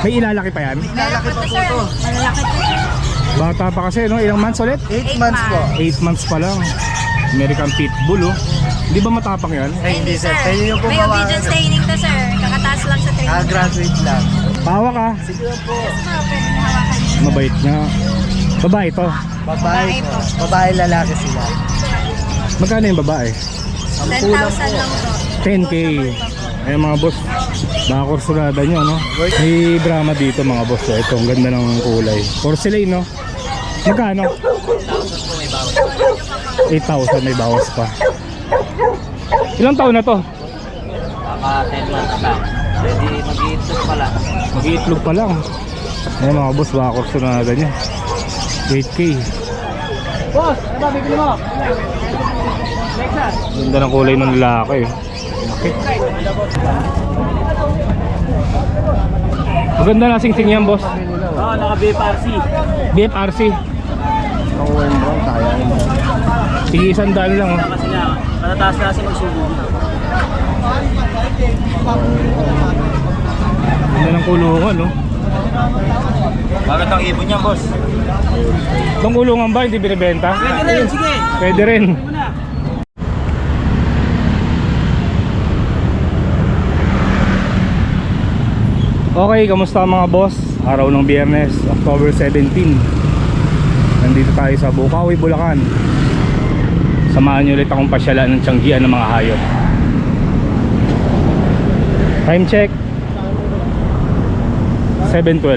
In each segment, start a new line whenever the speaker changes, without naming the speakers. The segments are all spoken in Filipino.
May ilalaki pa yan?
Lalaki pa po to.
Malalaki po sir.
Bata pa kasi, no? Ilang months ulit?
8 months po.
8 months pa lang. American Pitbull, oh. Di ba matapang yan?
Ay, hindi sir. Tayo yung
May
pumawa.
obedience training to sir. Kakataas lang sa training.
Graduate lang.
Pawa ka.
Sige po.
Pwede na hawakan niyo.
Mabait nga. Babae to.
Babae po. Babae lalaki sila.
Magkano yung babae?
10,000 lang to.
10K. Ay mga boss, baka kursulada nyo, no? May Brahma dito mga boss. Ito, ang ganda ng kulay. Porcelain, no? Magkano? 8,000 may bawas pa. Ilang taon na to?
Baka 10 months pa. Pwede mag-iitlog pa lang.
Mag-iitlog pa lang. Ay mga boss, baka kursulada nyo. 8K.
Boss, ano bibili mo?
Ganda ng kulay ng lalaki. Maganda na sing-sing yan, boss.
Oo, naka-BFRC.
BFRC.
Ang Wayne Brown, kaya mo.
Sige, 100 lang, oh.
Kasi nga, matataas na kasi magsubo.
Ganda ng kulungan, no?
Bakit ang ibon niya, boss?
Itong kulungan ba, hindi binibenta?
Pwede rin, sige.
Pwede rin.
Muna.
Okay, kamusta mga boss? Araw ng Biyernes, October 17. Nandito tayo sa Bukawi, Bulacan. Samahan nyo ulit akong pasyalan ng tiyanggian ng mga hayop. Time check 7:12.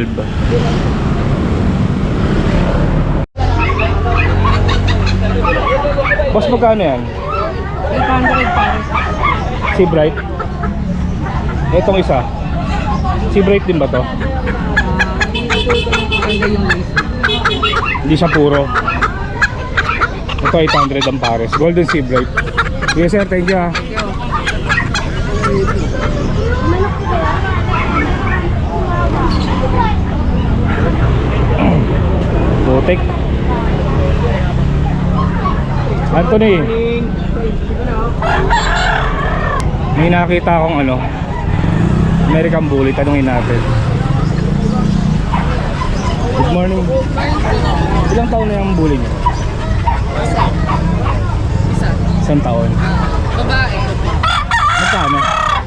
Boss, magkano yan?
800 pares.
Si Bright. Itong isa. Si Bright din ba to? Hindi siya puro. Ito 800 ang pares. Golden Sea Bright. Yes sir, thank you, ha. Putik. Anthony, may nakita akong ano, American Bully. Tanungin natin. Good morning. Ilang taon na yung bully niyo? Isang taon.
Babae.
Magkano?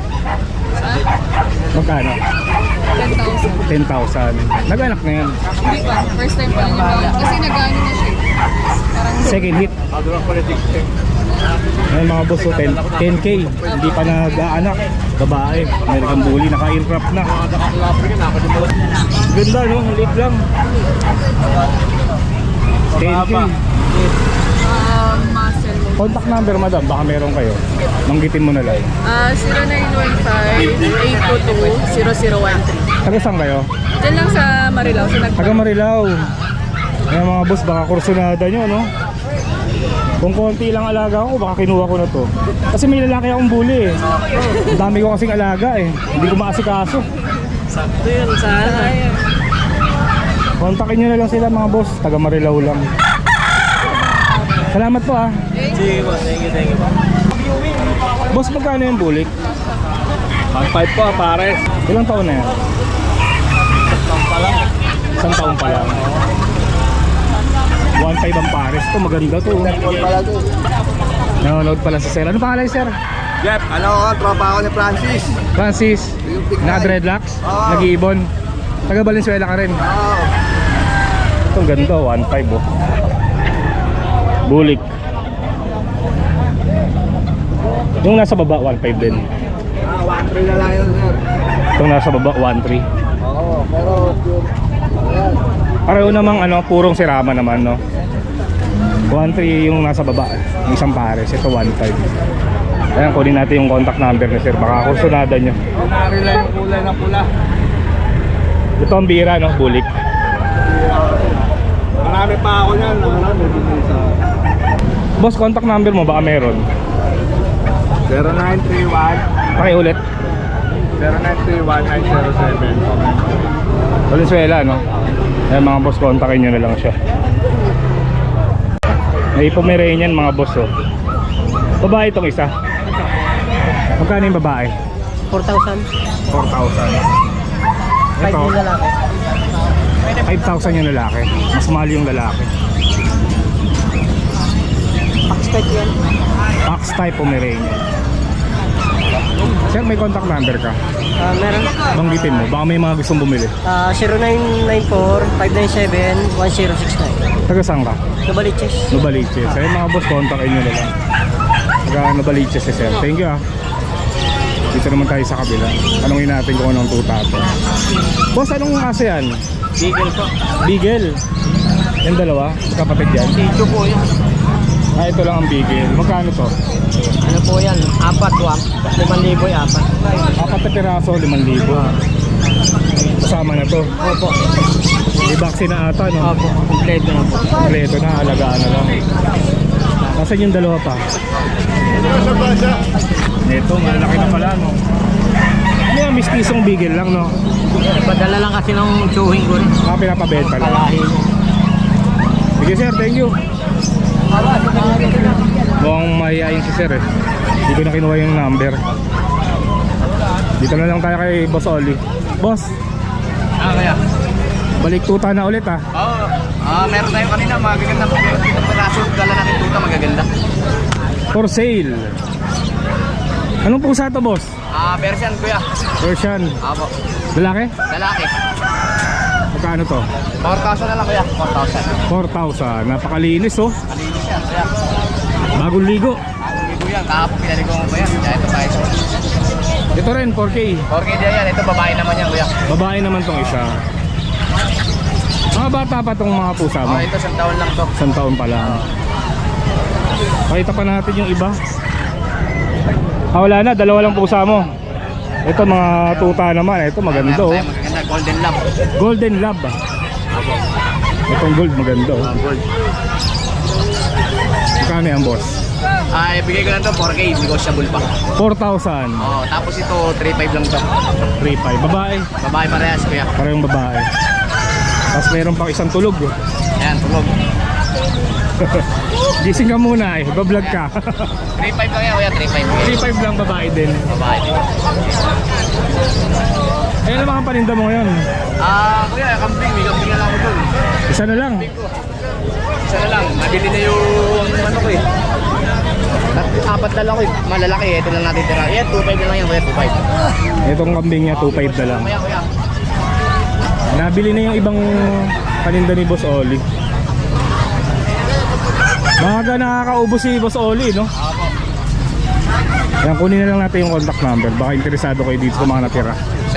Magkano?
10,000.
10,000. Nag-anak na yan.
Hindi pa. First time pa lang yung bala. Kasi nag-ano na siya. Parang
Second hit. Ayan mga boss, so 10K. Hindi pa nag-aanak. Babae. American Bully. Naka-aircraft na. Ganda, no? Liit lang. 10K.
muscle.
Contact number, madam. Baka meron kayo. Manggitin mo na lang.
0915-822-0013.
Taga saan kayo?
Diyan lang sa Marilao. Sa
Taga Marilao. Ayan mga boss, baka kursunada nyo, no? Kung konti lang alaga ko, baka kinuha ko na to. Kasi may lalaki akong bully, eh. Ang dami ko kasing alaga, eh. Hindi ko maasikaso.
Sakto yun, sana.
Kontakin nyo na lang sila mga boss. Taga Marilao lang. Salamat po, ah.
Sige, boss. Thank you, boss.
Boss, magkano yung bulik?
1.5 po, pares.
Ilang taon na yan? Isang taon pa lang. 1.5 ang pares to, maganda to. Nanonood pala sa sir. Ano pangalan sir?
Jeff, ano ko, tropa ako ni Francis.
Francis. Naka-dreadlocks?
Oo.
Nag-iibon? Taga Valenzuela ka rin?
Oo.
Itong ganda, 1.5 oh. Bulik. Yung nasa baba, 1.5 din.
1-3 na lang yun, sir.
Itong nasa baba, 1.3.
Oo, pero ayan.
Pareho namang ano, purong sirama naman, no? 1.3 yung nasa baba, yung isang pares. Ito 1.5. Ayan, kunin natin yung contact number ni sir. Baka kursunada nyo.
Nari lang yung kulay na pula.
Ito ang bira, no? Bulik.
Marami pa ako niyan. Marami dito sa
Boss, contact number mo, baka meron.
0931
Pakiulit.
0931-907.
Valenzuela, no? Ayan mga boss, kontakin nyo na lang siya. May Pomeranian mga boss, oh. Babae itong isa. Magkano yung babae?
4,000.
4,000. Ito,
yung lalaki.
5,000 yung lalaki. Mas mahal yung lalaki.
Pakistan yan.
Fox type Pomeranian. Sir, may contact number ka?
Meron.
Banggitin mo, baka may mga gustong bumili.
0994-597-1069.
Taga saan ka?
Nabaliches.
Nubaliches. Ayun mga boss, kontakin nyo na lang. Taga Nubaliches si sir. Thank you ah. Dito naman tayo sa kabila. Tanungin natin kung anong tuta to. Boss, anong aso yan?
Beagle po.
Beagle. Yung dalawa, kapatid yan.
Dito po yan.
Ah, ito lang ang Beagle. Magkano to?
Ano po yan? 4, 5,000 yung 4.
Apat na piraso, 5,000. Kasama na to.
Opo.
May vaccine na ata, no?
Opo. Kompleto na po.
Kompleto na, alagaan na lang. Nasaan yung dalawa pa? Ito, malalaki na pala, no? Ano yan, mistisong Beagle lang, no?
Padala lang kasi ng chewing ko rin.
Ah, pinapabenta lang. Sige sir, thank you. Mukhang mahihayin si sir eh. Hindi ko na kinuha yung number. Dito na lang tayo kay Boss Oli. Boss,
Kaya?
balik tuta na ulit ah.
Oo. Meron tayo kanina. Magaganda po. Itong peraso. Dala natin tuta. Magaganda.
For sale. Anong pusa to boss?
Persian kuya.
Persian.
Apo.
Lalaki?
Lalaki.
Magkano to?
4,000 na lang kuya. 4,000.
4,000. Napakalinis oh.
Malinis yan kuya.
Bagong ligo.
Hindi ko yan. Kahapon pinaligo ko pa yan. Kaya ito tayo.
Ito rin 4K.
4K din yan. Ito babae naman yan kuya.
Babae naman tong isa. Mga bata pa tong mga pusa mo.
Ito 1 taon lang to.
1 taon pa lang. Pakita pa natin yung iba. Wala na, dalawa lang pusa mo. Ito mga tuta naman. Ito maganda oh.
Meron tayo magaganda. Golden Lab.
Golden Lab. Itong gold maganda oh.
Gold.
Magkano yan boss?
Ibigay ko lang to 4K. Negotiable pa.
4,000.
Tapos ito 3,500 lang to.
3,500. Babae.
Babae parehas kuya.
Parehong babae. Tapos meron pang isang tulog oh.
Ayan, tulog.
Gising ka muna eh, bablog ka.
3,500 lang yan kuya. 3,500.
3,500 lang babae din.
Babae din.
Ayun ang mga paninda mo ngayon.
Kuya, kambing. May kambing na lang ako dun.
Isa na lang.
Isa na lang. Mabili na yung ano ko eh. 4 na lang ko eh. Malalaki eh. Ito lang natin tira. Yan, 2,500 na lang yan kuya. 2,500.
Itong kambing niya 2,500 na lang.
Kuya, kuya.
Nabili na yung ibang paninda ni Boss Oli. Maaga nakakaubos si Boss Oli, no? Yan, kunin na lang natin yung contact number. Baka interesado kayo dito sa mga natira.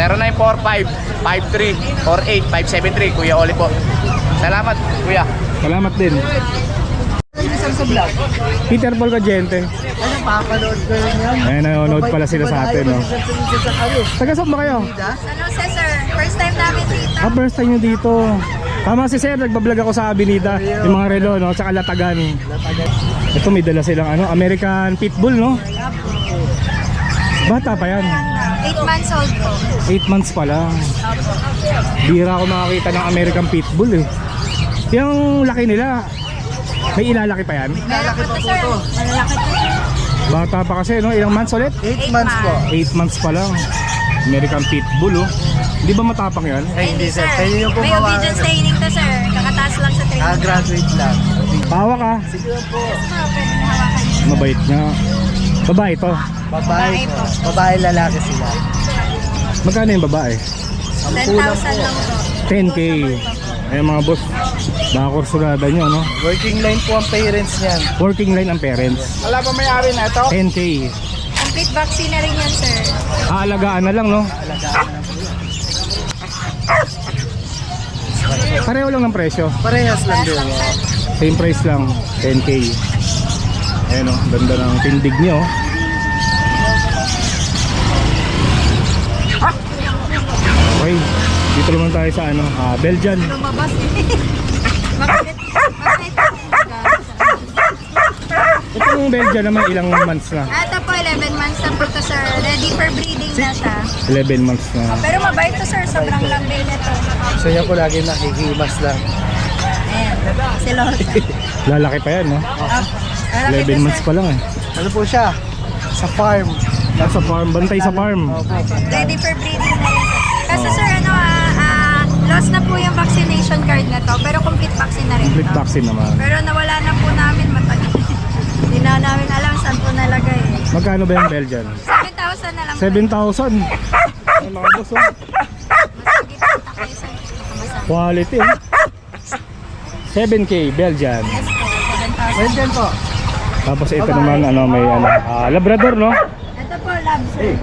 0945-53-48-573. Kuya Oli po. Salamat, kuya.
Salamat din. Peter Paul Cagente.
Ano, papanood ko yun yan.
Ayan, nanonood pala sila sa atin, no? Taga saan ba kayo?
San Jose, sir. First time namin dito.
First time nyo dito. Tama si Sir, nagbablog ako sa Avenida. Yung mga relo, no? Tsaka Latagan. Ito may dala silang ano, American Pitbull, no? Bata pa yan.
8 months old po.
8 months pa lang. Bira ako makakita ng American Pitbull eh. Yung laki nila, may ilalaki pa yan?
Meron po to, sir. Malalaki po.
Bata pa kasi, no? Ilang months ulit?
8 months po.
8 months pa lang. American Pitbull, oh. Di ba matapang yan?
Ay, hindi sir. Pwede nyo po
May obedience training to, sir. Kakataas lang sa training.
graduate lang.
Pawa ka.
Sige po.
Yes, ma'am. Pwede na hawakan niyo.
Mabait nga. Babae to.
Babae
Babae
po.
po.
Babae lalaki sila.
Magkano yung babae?
10,000 lang po.
10K. Ayun mga boss, baka kursulada nyo, no?
Working line po ang parents niyan.
Working line ang parents.
Wala pa may-ari na ito?
10K.
Complete vaccine na rin yan, sir.
Aalagaan na lang, no? Pareho lang ng presyo.
Parehas lang din.
Same price lang, 10K. Ayan o, ganda ng tindig nyo. Okay, dito naman tayo sa ano, Belgian.
Lumabas eh. Bakit?
Itong Belgian naman ilang months na?
Ito po, 11 months na po to, sir. Ready for breeding na siya.
11 months na.
Pero mabait to, sir. Sobrang lambay na to.
Sa inyo ko lagi nakikimas lang.
Ayan. Silosa.
Lalaki pa yan, no? 11 months pa lang eh.
Ano po siya? Sa farm.
Nasa farm, bantay sa farm.
Opo.
Ready for breeding na rin, sir. Kasi, sir,
Complete vaccine naman.
Pero nawala na po namin matagal. Hindi na namin alam saan po nalagay eh.
Magkano ba yung Belgian?
7,000 na lang po.
7,000. Ay mga boss, oh.
Masagit po tayo sa kamasama.
Quality, oh. 7K Belgian.
Yes po, 7,000.
Belgian po.
Tapos ito naman, ano, may ano, Labrador, no?
Ito po, labs.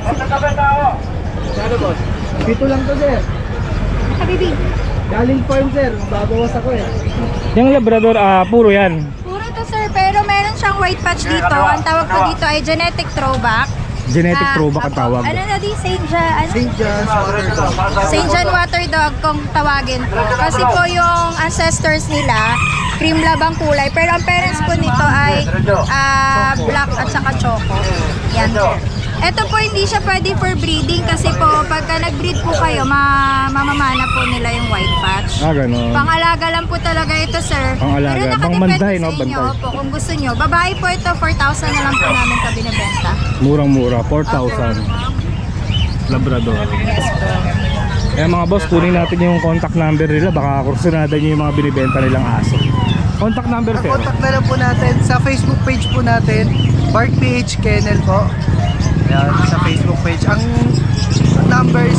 Dito lang to, sir.
Habibi.
Galing farm, sir. Babawas ako eh.
Yung Labrador, puro yan.
Puro to sir, pero meron siyang white patch dito. Ang tawag po dito ay genetic throwback.
Genetic throwback ang
Apo.
tawag.
Ano na di? St. John,
St. John's Water Dog.
St. John Water Dog kung tawagin po. Kasi po yung ancestors nila, cream lab ang kulay. Pero ang parents po nito ay black at saka choco. Yan po. Ito po hindi siya pwede for breeding kasi po pagka nag-breed po kayo, mamamana po nila yung white patch.
Ganun.
Pang-alaga lang po talaga ito, sir.
Pang-alaga.
Pero nakadepende
Pang-banday, no?
sa inyo
Banday.
po kung gusto nyo. Babae po ito, 4,000 na lang po namin ito binibenta.
Murang-mura, 4,000. Labrador.
Yes po.
Kaya mga boss, kunin natin yung contact number nila. Baka kursunada nyo yung mga binibenta nilang aso. Contact number, sir.
Contact na lang po natin sa Facebook page po natin, Bart PH Kennel po. Yan, sa Facebook page. Ang number is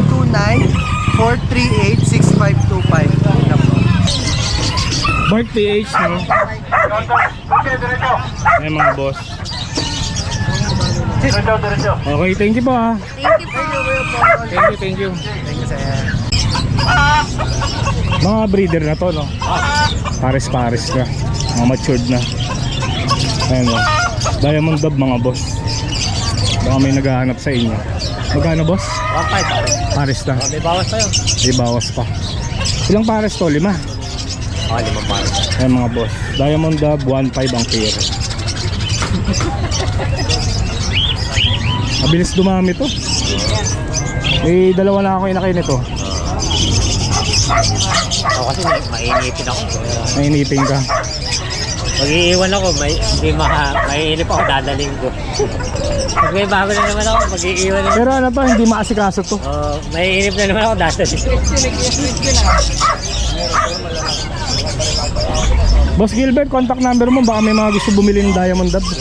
0929-438-6525. Yan po.
Bart PH, no? Ayan mga boss. Okay, thank you po, ha.
Thank you po.
Thank you.
Thank you, sir.
Mga breeder na to, no? Pares-pares na. Mga matured na. Ayan, no? Diamond Dove, mga boss. Baka may naghahanap sa inyo. Magkano, boss?
1.5.
Pares na.
May bawas tayo.
May bawas pa. Ilang pares to? 5?
5 pares.
Ayan mga boss. Diamond Dove, 1.5 ang pair. Mabilis dumami to. Eh, dalawa na ako inakay nito.
Ako kasi mainipin ako.
Nainipin ka.
Mag-iiwan ako, maiinip ako, dadaling ko. Pag may bago na naman ako, mag-iiwan naman.
Pero ano to, hindi maasikaso to.
Maiinip na naman ako, dadaling.
Boss Gilbert, contact number mo. Baka may mga gusto bumili ng Diamond Dove.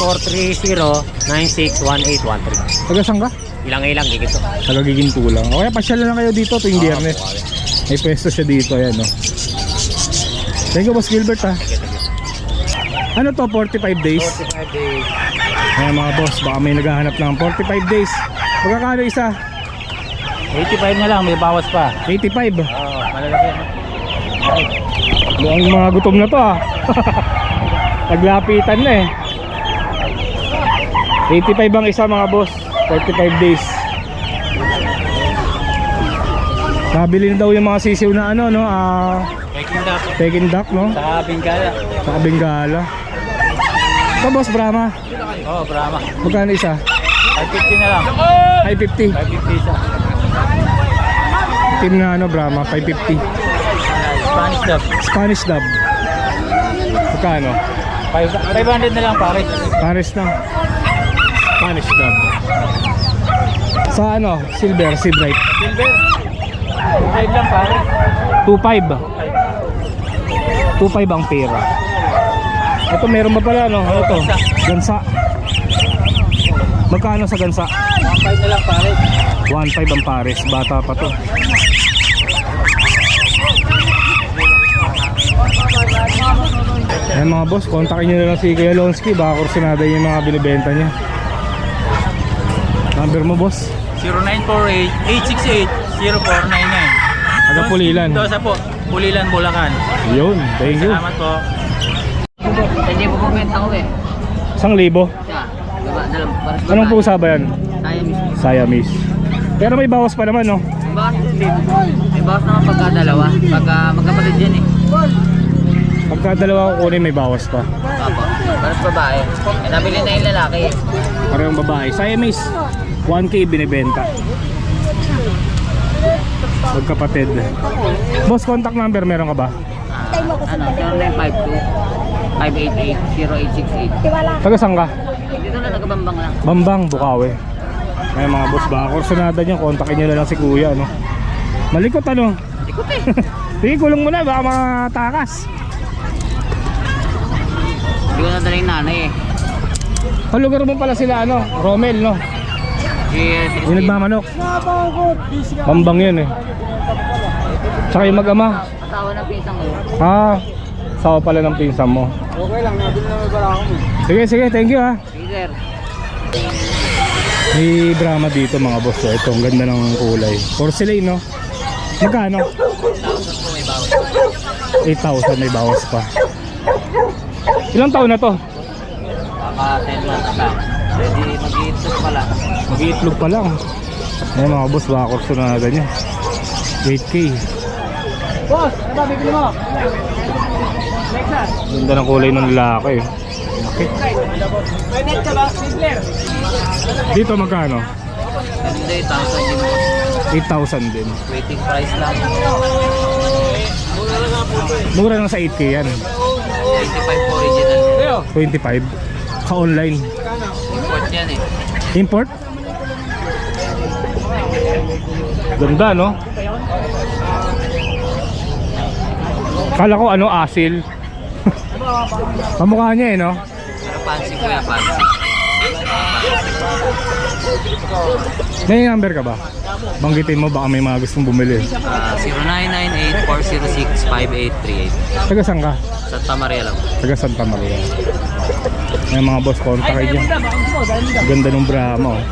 9430-961813.
Taga saan ka?
Ilang-ilang, di gito.
Taga Gigintulang. O kaya pasyal na lang kayo dito tuwing biyernes. May pwesto siya dito, ayan, no. Thank you, Boss Gilbert, ha. Ano to, 45 days?
45 days.
Ayan mga boss, baka may naghahanap ng 45 days. Magkakano isa?
85 na lang, may bawas pa.
85.
Malalaki.
Mukhang mga gutom na to, ah. Naglapitan na eh. 85 ang isa mga boss, 45 days. Nabili na daw yung mga sisiw na ano, no?
Peking duck.
Peking duck, no?
Sa Bengala.
Saka Bengala. Ito boss, Brahma.
Oo, Brahma.
Magkano isa?
550 na lang.
550.
550 isa.
Team na ano, Brahma, 550.
Spanish dub.
Spanish Dove. Magkano?
500 na lang pare.
Pares na. Spanish Dove. Sa ano, Silver, Sea Bright.
Silver. 5 lang pare.
2.5. 2.5 ang pera. Ito meron ba pala, no? Ano to? Gansa. Magkano sa gansa?
1.5 na lang pare.
1.5 ang pares. Bata pa to. Ayan mga boss, kontakin nyo na lang si Kuya Lonsky. Baka kursunada yung mga binibenta niya. Number mo, boss?
0948-868-0499.
Aga Pulilan.
Dosa po, Pulilan, Bulacan.
Yun, thank you.
Salamat po.
Hindi po bumenta ko eh.
1,000.
Diba, dalam, para
Anong pusa ba yan?
Kaya mismo.
Siamese. Pero may bawas pa naman, no?
May bawas naman pagka dalawa. Pagka magkapatid yan eh.
Pagka dalawa ko kunin, may bawas pa.
Papa, para sa babae. Eh, nabili na yung lalaki eh.
Parang babae. Siamese, 1K binibenta. Magkapatid. Boss, contact number meron ka ba?
Ano, 0952-588-0868.
Taga saan ka?
Dito na nagabambang lang.
Bambang, Bukawi. Ay mga boss, baka kursunada nyo, kontakin nyo na lang si Kuya, no? Malikot, ano?
Ikot eh.
Sige, kulong mo na, baka matakas.
Hindi ko nadala yung nanay eh.
Lugar mo pala sila, ano, Romel, no?
Yes,
Yung nagmamanok. Bambang yun eh. Tsaka yung mag-ama.
asawa ng pisang mo.
Sawa pala ng pinsan mo.
Okay lang, nabili naman pala ako.
Sige, sige, thank you ha.
Sige sir.
May Brahma dito mga boss. Ito, ang ganda ng kulay. Porcelain, no? Magkano? 8,000, may bawas pa. Ilang taon na to?
Baka 10 months na. Ready mag-iitlog pala.
Mag-iitlog pa lang. Ayan mga boss, baka kursunada niya. 8K.
Boss, ano ba bibili mo?
Ganda ng kulay ng lalaki. Okay.
Pwede ka ba? Sizzler?
Dito magkano?
Hindi, 1,000 din mo.
8,000 din.
Waiting price lang.
Mura lang sa 8K yan.
25 original.
25. Ka-online.
Import yan eh.
Import? Ganda, no? Kala ko ano, asil. Kamukha niya eh, no?
Pero fancy ko yan, fancy.
May number ka ba? Banggitin mo, baka may mga gustong bumili.
0998-406-5838.
Taga saan ka?
Santa Maria lang.
Taga Santa Maria. May mga boss, kontak kayo dyan. Ganda ng Brahma, oh.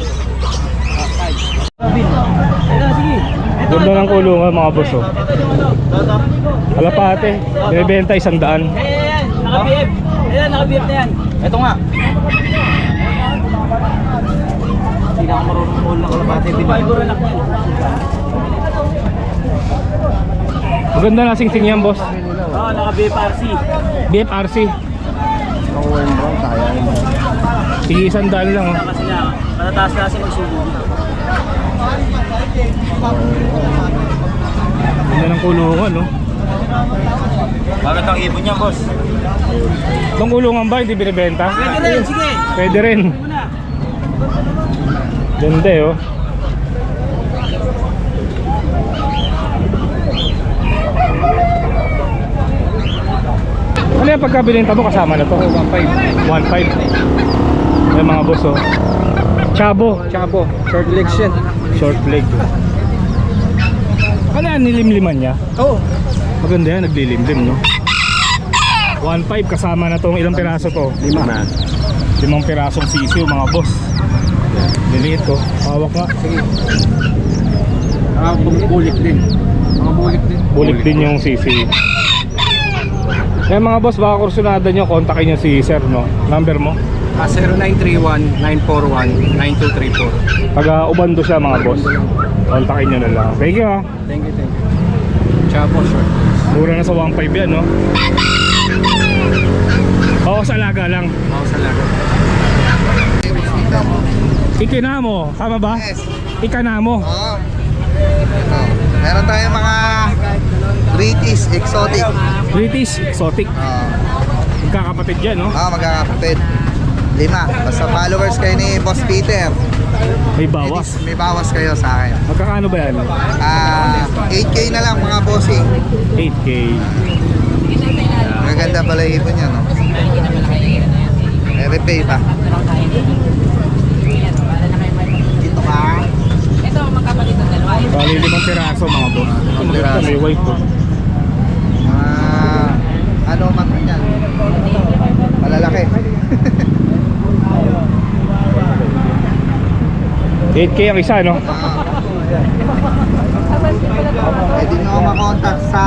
Ganda ng kulungan mga boss, oh. Alapate, binibenta 100.
Naka-BF. Ayan, naka-BF na yan.
Ito nga. Hindi na ako marunong mall ng kalabate.
Fiber-anak yan.
Maganda na sing-sing yan, boss.
Oo, naka-BFRC.
BFRC. Sige, 100 lang, oh.
Kasi nga, matataas na kasi magsubo.
Ganda ng kulungan, no?
Bakit ang ibon niya, boss?
Itong kulungan ba, hindi binibenta?
Pwede rin, sige.
Pwede rin.
Muna.
Ganda, oh. Ano yung pagkabilinta mo kasama na to? 1.5. 1.5. Ay mga boss, oh. Chabo.
Chabo, short legs yan.
Short leg. Ano yan, nilimliman niya?
Oo.
Maganda yan, naglilimlim, no? 1.5 kasama na tong ilang piraso to? 5 pirasong sisiw, mga boss. Liliit ko. Hawak nga.
Sige. Bulik din. Mga bulik din.
Bulik din yung sisiw. Kaya mga boss, baka kursunada nyo, kontakin nyo si sir, no? Number mo?
0931-941-9234.
Taga Ubando siya, mga boss. Kontakin nyo na lang. Thank you, ha.
Thank you, thank you. Chabo, short.
Mura na sa 1.5 yan, no? Oo, sa alaga lang.
Ako sa lago.
Ikinamo, tama ba?
Yes.
Ikanamo.
Oo. Ito. Meron tayong mga British exotic.
British, exotic. Magkakapatid yan, no?
Magkakapatid. 5. Basta followers kayo ni Boss Peter.
May bawas.
May bawas kayo sa akin.
Magkakano ba yan?
8K na lang mga bossing.
8K.
Maganda pala yung ibon niya, no? May repay pa. Dito ka.
Bali 5 piraso, mga boss. Ang
piraso.
May white po.
Ano man yan? Malalaki.
8K ang isa, no?
Pwede nyo ako makontak sa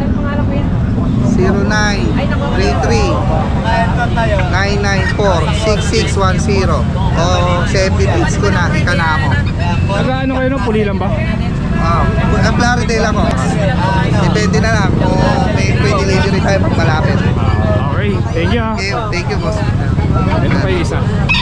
0933-994-6610 o sa FB page ko na Ikanamo.
Taga ano kayo, no? Puli lang ba?
Plaridel ako. Depende na lang kung may delivery tayo pag malapit.
Okay, thank you, ha.
Okay, thank you boss.
Ito pa yung isa.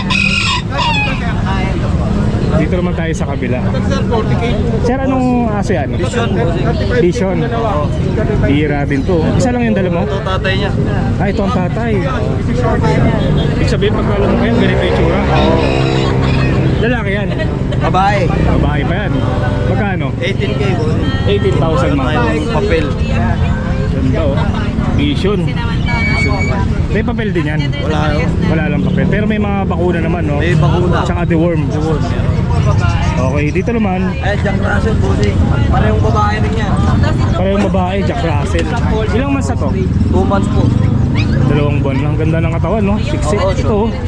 Dito naman tayo sa kabila. Sir, anong aso yan? Vision. Bira din to. Isa lang yung dala mo?
Ito tatay niya.
Ito ang tatay. Ibig sabihin, pagkala mo kayo, ganito yung tsura. Lalaki yan.
Babae.
Babae pa yan. Magkano?
18K po.
18,000 mga boss.
Tayong papel.
Ganda oh. Vision. May papel din yan. Wala lang papel. Pero may mga bakuna naman, no?
May bakuna.
Tsaka deworm. Okay, dito naman.
Jack Russell po si. Parehong babae rin yan.
Parehong babae, Jack Russell. Ilang months na to?
2 months po.
2 buwan lang. Ganda ng katawan, no? 6'6". Ito, oh.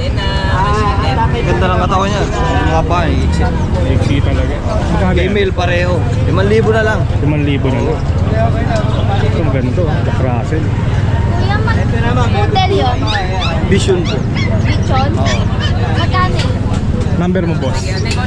Ganda ng katawan niya. Mga pa eh.
XC talaga. Magkano yan?
Female pareho. 5,000 na lang.
5,000 na lang. Ito maganda, Jack Russell.
Hotel yun.
Vision po.
Lechon. Magkano?
Number mo, boss.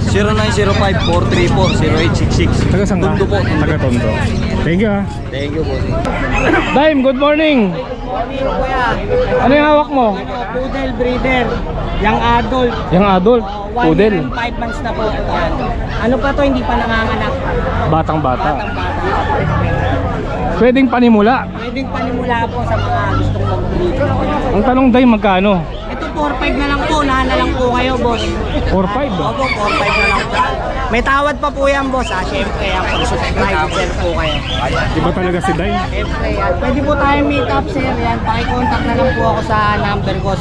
0905-434-0866.
Taga saan ka?
Tondo po.
Taga Tondo. Thank you, ha.
Thank you po.
Dime, good morning. Ano yung hawak mo?
Poodle breeder, yung adult.
Yung adult,
1 year
poodle.
and 5 months na po. Yan. Ano pa to, hindi pa nanganganak.
Batang-bata.
Batang-bata.
Pwedeng panimula.
Pwedeng panimula po sa mga gustong mag-breed.
Ang tanong, Dime, magkano?
Ito 4-5 na lang po, nahan na lang po kayo, boss.
4-5 ba?
Opo, 4-5 na lang po. May tawad pa po yan, boss. Siyempre, pag-subscribe sir po kayo.
Iba talaga si Dime.
Siyempre, yan. Pwede po tayo meet up, sir. Yan, pakicontact na lang po ako sa number ko,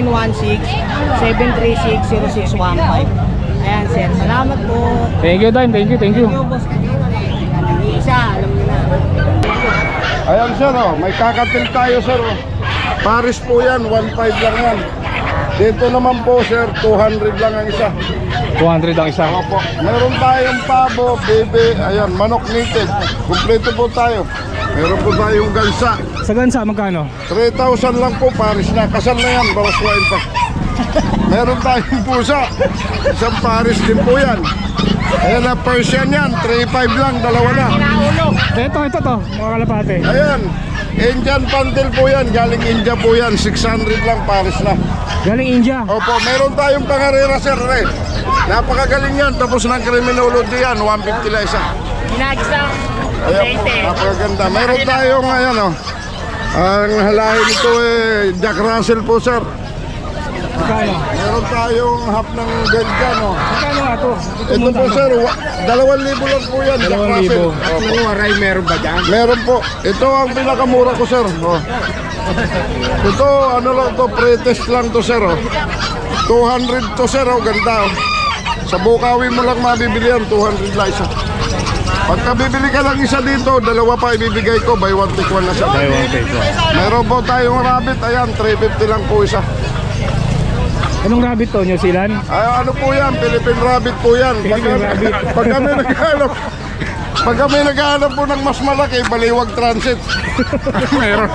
0916-736-0615. Ayan, sir. Salamat po.
Thank you, Dime. Thank you, thank you.
Yo, boss, kanina na yan. Nag-iisa, alam niyo na.
Ayan sir, oh. May kakatil tayo sir. Oh. Paris po yan, 1.5 lang yan. Dito naman po sir, 200 lang ang isa.
200 ang isa.
Opo. Meron tayong pabo, bebe, ayan, manok native. Kumpleto po tayo. Meron po tayong gansa.
Sa gansa, magkano?
3,000 lang po, Paris na. Kasal na yan, bawas-wain pa. Meron tayong pusa. Isang Paris din po yan. Ayan na, Persian yan, 3,500 lang, dalawa na.
Ito to, mga kalapate.
Ayan, Indian Pantel po yan, galing India po yan, 600 lang, Paris na.
Galing India.
Opo, meron tayong pangarera sir, eh. Napakagaling yan, tapos ng criminology yan, 150 lang isa.
Ginagsa.
Ayan po, napakaganda. Meron tayong, ayan o, ang halahin nito eh, Jack Russell po sir.
Magkano?
Meron tayong half ng Belgian o.
Magkano nga to?
Ito po sir, 2,000 lang po yan, Jack
2,000.
Russell. Opo.
Waray meron ba dyan?
Meron po. Ito ang pinakamura ko sir. Oh. Ito ano lang to, pre-test lang to sir. Oh. 200 to sir, oh. Ganda. Oh. Sa Bukawi mo lang mabibili yan, 200 lang isa. Pagka bibili ka lang isa dito, dalawa pa ibibigay ko, buy one take one na siya.
Buy one take one.
Meron po tayong rabbit, ayan, 350 lang po isa.
Anong rabbit to, New Zealand?
Ay, ano po yan, Philippine rabbit po yan.
Philippine rabbit.
Pag kami naghahanap, pag kami naghahanap po ng mas malaki, Baliwag Transit. Meron.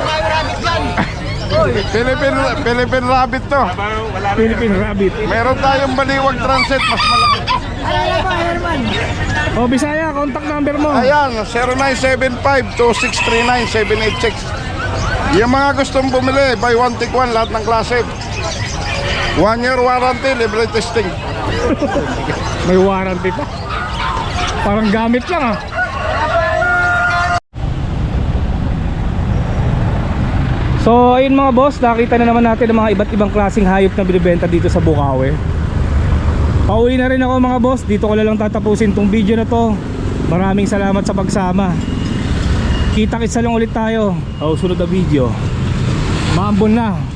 Philippine rabbit to.
Philippine rabbit.
Meron tayong Baliwag Transit, mas malaki.
Oh, Bisaya, contact number mo.
Ayan, 0975-2639-786. Yung mga gustong bumili, buy one take one, lahat ng klase. 1 year warranty, libre testing.
May warranty pa. Parang gamit lang, ah. So ayun mga boss, nakita na naman natin ang mga iba't ibang klaseng hayop na binibenta dito sa Bukawi. Pauwi na rin ako mga boss, dito ko na lang tatapusin tong video na to. Maraming salamat sa pagsama. Kita-kitsa lang ulit tayo sa susunod na video. Maambon na.